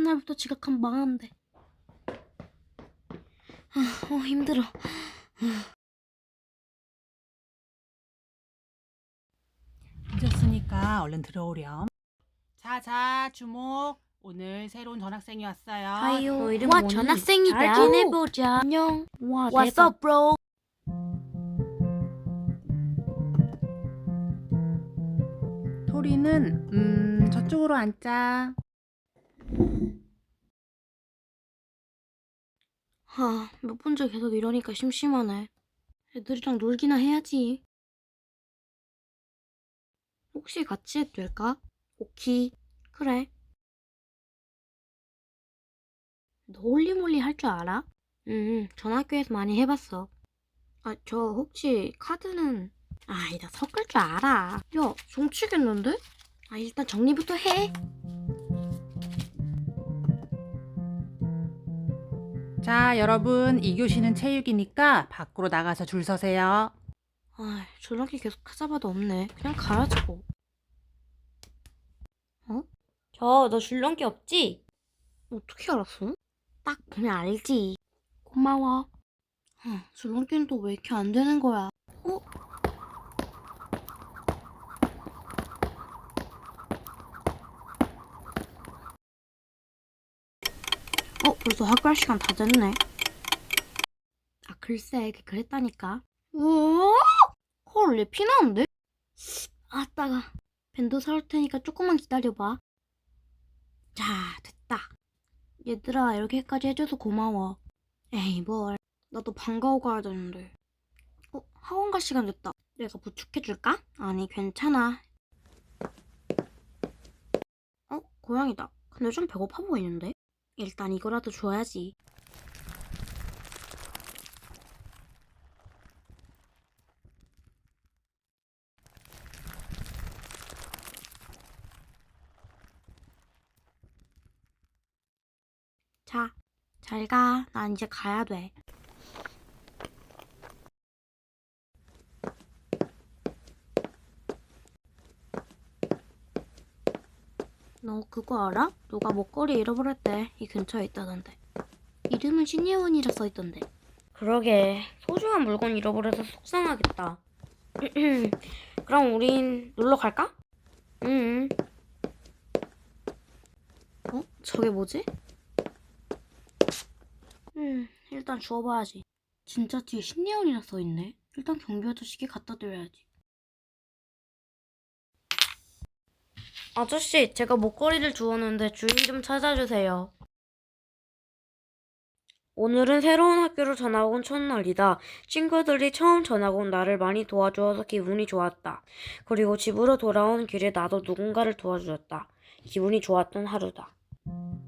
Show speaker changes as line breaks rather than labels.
첫날부터 지각하면 망한대. 힘들어.
늦었으니까 얼른 들어오렴. 자, 주목. 오늘 새로운 전학생이 왔어요.
하이요.
너 이름
와,
뭐니?
전학생이다.
잘
지내보자. 안녕. 와,
What's
What's up, bro?
토리는 저쪽으로 앉자.
몇 번째 계속 이러니까 심심하네. 애들이랑 놀기나 해야지. 혹시 같이 해도 될까? 오키. 그래. 너 홀리몰리 할 줄 알아? 전학교에서 많이 해봤어. 저 혹시 카드는... 나 섞을 줄 알아. 야, 정치겠는데? 일단 정리부터 해.
자, 여러분, 2교시는 체육이니까 밖으로 나가서 줄 서세요.
줄넘기 계속 찾아봐도 없네. 그냥 가야지 뭐. 너 줄넘기 없지? 어떻게 알았어? 딱 보면 알지. 고마워. 줄넘기는 또 왜 이렇게 안 되는 거야? 벌써 학교 할 시간 다 됐네. 글쎄, 그랬다니까. 헐, 얘 피나는데? 따가. 밴드 사올 테니까 조금만 기다려봐. 자, 됐다. 얘들아, 이렇게까지 해줘서 고마워. 에이, 뭘. 나도 방과후 가야 되는데. 학원 갈 시간 됐다. 내가 부축해줄까? 아니, 괜찮아. 고양이다. 근데 좀 배고파 보이는데? 일단 이거라도 줘야지. 자, 잘 가. 난 이제 가야 돼. 너 그거 알아? 누가 목걸이 잃어버렸대. 이 근처에 있다던데. 이름은 신예원이라 써있던데. 그러게. 소중한 물건 잃어버려서 속상하겠다. 그럼 우린 놀러 갈까? 응. 저게 뭐지? 일단 주워봐야지. 진짜 뒤에 신예원이라 써있네. 일단 경비 아저씨께 갖다 드려야지. 아저씨, 제가 목걸이를 주웠는데 주인 좀 찾아주세요. 오늘은 새로운 학교로 전학 온 첫날이다. 친구들이 처음 전학 온 나를 많이 도와주어서 기분이 좋았다. 그리고 집으로 돌아오는 길에 나도 누군가를 도와주었다. 기분이 좋았던 하루다.